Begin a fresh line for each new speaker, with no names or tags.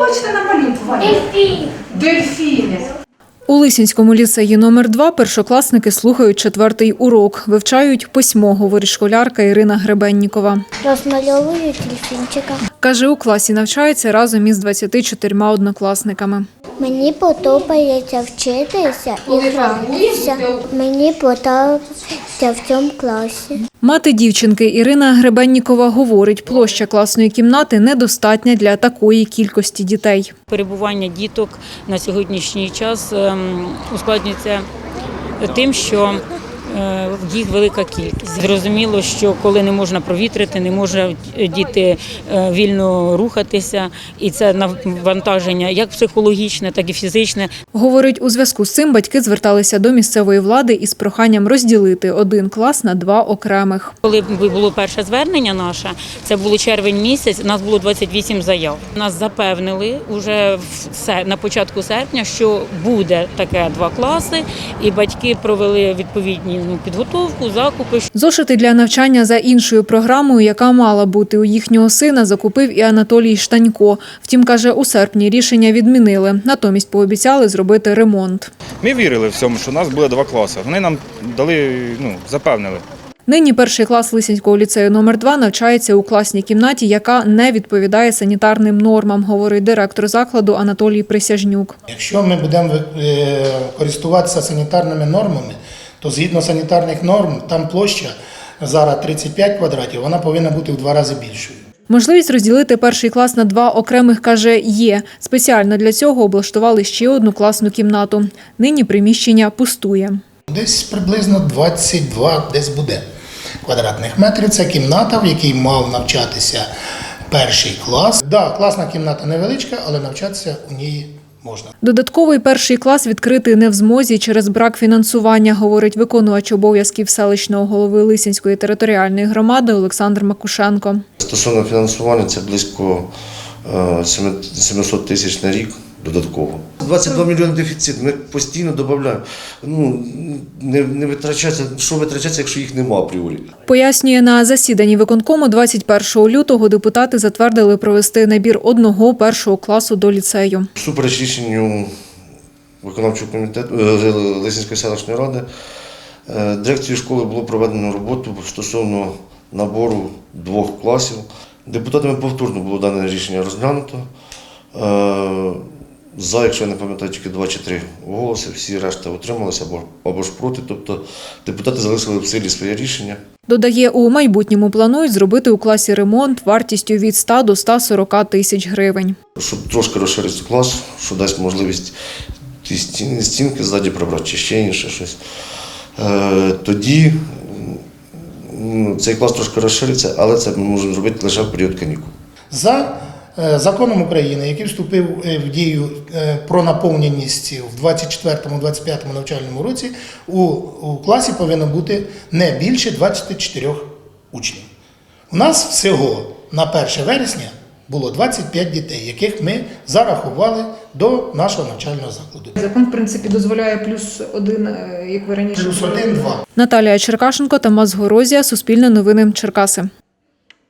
хочете намалювати? Дельфіни.
У Лисинському ліцеї номер 2 першокласники слухають 4-й урок. Вивчають письмо, говорить школярка Ірина Гребеннікова.
Розмальовую дельфінчика.
Каже, у класі навчається разом із 24 однокласниками.
Мені подобається вчитися і гратися. Мені подобається в цьому класі.
Мати дівчинки Ірина Гребеннікова говорить, площа класної кімнати недостатня для такої кількості дітей.
Перебування діток на сьогоднішній час ускладнюється тим, що їх велика кількість. Зрозуміло, що коли не можна провітрити, не можуть діти вільно рухатися, і це навантаження як психологічне, так і фізичне.
Говорить, у зв'язку з цим батьки зверталися до місцевої влади із проханням розділити один клас на 2 окремих.
Коли було перше звернення наше, це було червень місяць, у нас було 28 заяв. Нас запевнили вже на початку серпня, що буде таке 2 класи, і батьки провели відповідні підготовку, закупи.
Зошити для навчання за іншою програмою, яка мала бути у їхнього сина, закупив і Анатолій Штанько. Втім, каже, у серпні рішення відмінили. Натомість пообіцяли зробити ремонт.
Ми вірили в цьому, що у нас буде 2 класи. Вони нам дали, запевнили.
Нині перший клас Лисинського ліцею номер 2 навчається у класній кімнаті, яка не відповідає санітарним нормам, говорить директор закладу Анатолій Присяжнюк.
Якщо ми будемо користуватися санітарними нормами, то згідно санітарних норм, там площа зараз 35 квадратів, вона повинна бути в 2 рази більшою.
Можливість розділити перший клас на 2 окремих, каже, є. Спеціально для цього облаштували ще одну класну кімнату. Нині приміщення пустує.
Десь приблизно 22 десь буде квадратних метрів. Це кімната, в якій мав навчатися перший клас. Так, класна кімната невеличка, але навчатися у ній можна.
Додатковий перший клас відкрити не в змозі через брак фінансування, говорить виконувач обов'язків селищного голови Лисинської територіальної громади Олександр Макушенко.
Стосовно фінансування, це близько 700 тисяч на рік додатково. 22 мільйони дефіцит, ми постійно додаємо. Не витрачається, що витрачається, якщо їх нема апріорі.
Пояснює, на засіданні виконкому 21 лютого депутати затвердили провести набір одного першого класу до ліцею.
Всупереч рішенню виконавчого комітету Лисинської селищної ради, дирекцією школи було проведено роботу стосовно набору 2 класів. Депутатами повторно було дане рішення розглянуто. За, якщо я не пам'ятаю, тільки 2 чи 3 голоси, всі решта утрималися або ж проти, тобто депутати залишили в силі своє рішення.
Додає, у майбутньому планують зробити у класі ремонт вартістю від 100 до 140 тисяч гривень.
Щоб трошки розширити клас, що дасть можливість ті стінки ззаді прибрати чи ще інше щось, тоді цей клас трошки розшириться, але це ми можемо зробити лише в період канікул.
За законом України, який вступив в дію про наповненість в 24-25 навчальному році, у класі повинно бути не більше 24 учнів. У нас всього на 1 вересня було 25 дітей, яких ми зарахували до нашого навчального закладу.
Закон, в принципі, дозволяє +1, як ви раніше.
+1, 2.
Наталія Черкашенко, Тамас Горозія, Суспільне новини, Черкаси.